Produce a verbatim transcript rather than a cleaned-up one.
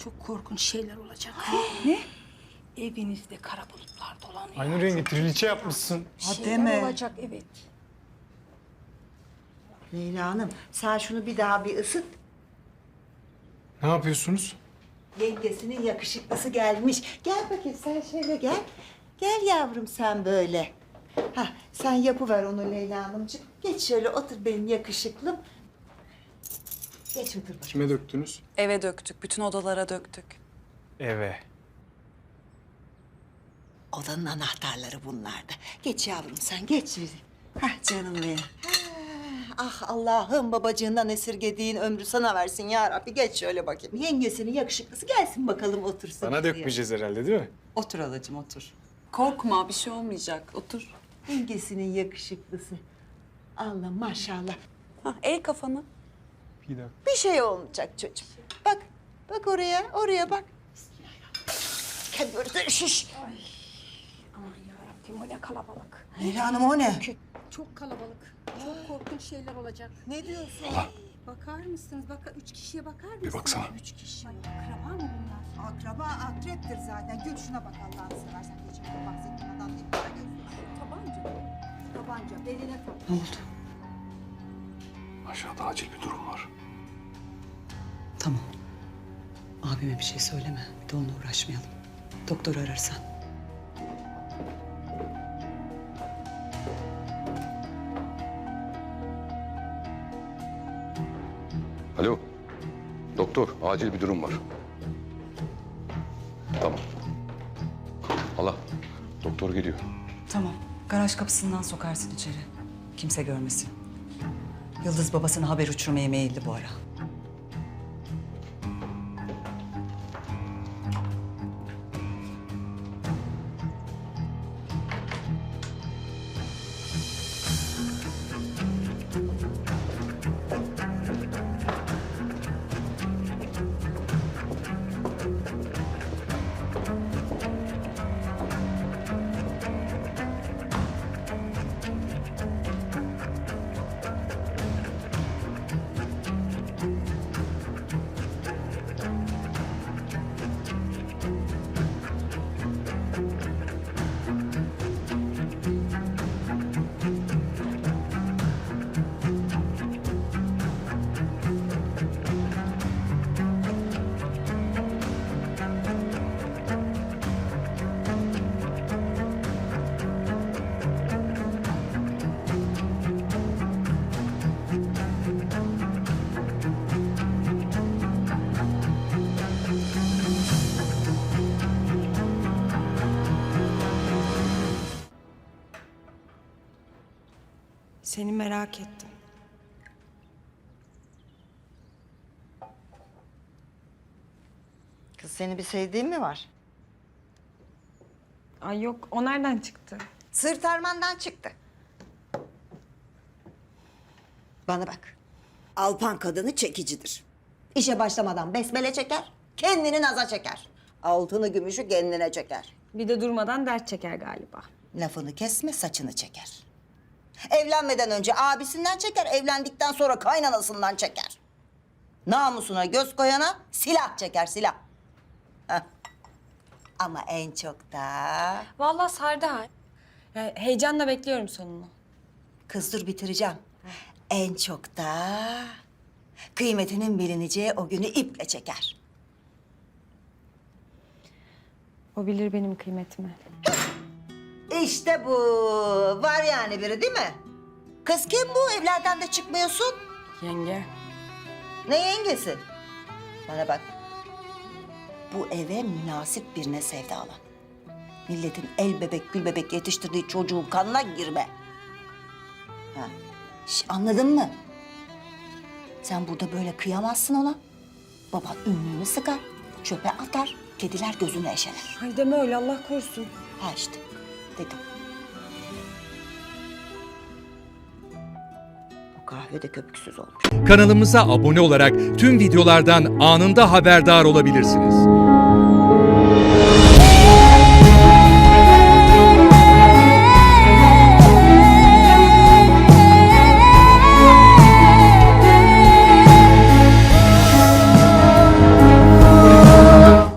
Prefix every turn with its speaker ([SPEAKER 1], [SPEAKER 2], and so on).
[SPEAKER 1] çok korkunç şeyler olacak.
[SPEAKER 2] Ne?
[SPEAKER 1] Evinizde kara bulutlar dolanıyor.
[SPEAKER 3] Aynı rengi triliçe yapmışsın.
[SPEAKER 2] Ha,
[SPEAKER 1] Şeyler
[SPEAKER 2] deme.
[SPEAKER 1] olacak, evet.
[SPEAKER 2] Leyla Hanım, sen şunu bir daha bir ısıt.
[SPEAKER 3] Ne yapıyorsunuz?
[SPEAKER 2] Yengesinin yakışıklısı gelmiş. Gel bakayım sen şöyle gel. Gel yavrum sen böyle. Hah, sen yapıver onu Leyla Hanımcığım. Geç şöyle otur benim yakışıklım. Geç otur bakayım.
[SPEAKER 3] Kime döktünüz?
[SPEAKER 4] Eve döktük, bütün odalara döktük.
[SPEAKER 3] Eve.
[SPEAKER 2] Odanın anahtarları bunlarda. Geç yavrum sen geç. Hah canım benim. Ah Allah'ım babacığından esirgediğin ömrü sana versin ya Rabbi. Geç şöyle bakayım. Yengesinin yakışıklısı gelsin bakalım otursun.
[SPEAKER 3] Bana
[SPEAKER 2] buraya.
[SPEAKER 3] dökmeyeceğiz herhalde değil mi?
[SPEAKER 2] Otur halacığım otur.
[SPEAKER 4] Korkma, bir şey olmayacak. Otur.
[SPEAKER 2] Yengesinin yakışıklısı. Allah maşallah.
[SPEAKER 4] Hah, eğ kafanı.
[SPEAKER 3] Bir dakika.
[SPEAKER 2] Bir şey olmayacak çocuğum. Bak, bak oraya, oraya bak. Kendi örtüsü şiş.
[SPEAKER 1] Aman yarabbim, o ne kalabalık.
[SPEAKER 2] Leyla Hanım o ne?
[SPEAKER 1] Çok kalabalık. Çok korkunç şeyler olacak.
[SPEAKER 2] Ne diyorsun?
[SPEAKER 1] Bakar mısınız? Bak, üç kişiye bakar mısınız?
[SPEAKER 3] baksana.
[SPEAKER 1] Üç kişi. Ay, akraba mı bunlar?
[SPEAKER 2] Akraba akreptir zaten. Gül şuna bak Allah'ını seversen. Geçen bahsettiğin adam ne kadar gözü.
[SPEAKER 1] Tabanca. Tabanca, beline tak.
[SPEAKER 2] Ne oldu?
[SPEAKER 5] Aşağıda acil bir durum var.
[SPEAKER 6] Tamam. Abime bir şey söyleme. Bir de onunla uğraşmayalım. Doktoru ararsan.
[SPEAKER 5] Alo. Doktor, acil bir durum var. Tamam. Hala, doktor geliyor.
[SPEAKER 6] Tamam. Garaj kapısından sokarsın içeri. Kimse görmesin. Yıldız babasına haber uçurmaya meyilli bu ara.
[SPEAKER 7] Seni merak ettim.
[SPEAKER 2] Kız seni bir sevdiğin mi var?
[SPEAKER 7] Ay yok, o nereden çıktı?
[SPEAKER 2] Sırt armandan çıktı. Bana bak. Alpan kadını çekicidir. İşe başlamadan besmele çeker, kendini naza çeker. Altını gümüşü kendine çeker.
[SPEAKER 7] Bir de durmadan dert çeker galiba.
[SPEAKER 2] Lafını kesme, saçını çeker. Evlenmeden önce abisinden çeker, evlendikten sonra kaynanasından çeker. Namusuna göz koyana silah çeker, silah. Heh. Ama en çok da...
[SPEAKER 7] Vallahi sardı ha. Yani heyecanla bekliyorum sonunu.
[SPEAKER 2] Kız dur bitireceğim. En çok da kıymetinin bilineceği o günü iple çeker.
[SPEAKER 7] O bilir benim kıymetimi.
[SPEAKER 2] İşte bu. Var yani biri değil mi? Kız kim bu? Evlerden de çıkmıyorsun.
[SPEAKER 7] Yenge.
[SPEAKER 2] Ne yengesi? Bana bak. Bu eve münasip birine sevdalan. Milletin el bebek gül bebek yetiştirdiği çocuğun kanına girme. Ha. Şş, anladın mı? Sen burada böyle kıyamazsın ona. Baban ünlüğünü sıkar, çöpe atar, kediler gözüne eşeler.
[SPEAKER 7] Ay deme öyle, Allah korusun.
[SPEAKER 2] Ha işte, dedim. Bu kahve de köpüksüz olmuş.
[SPEAKER 8] Kanalımıza abone olarak tüm videolardan anında haberdar olabilirsiniz.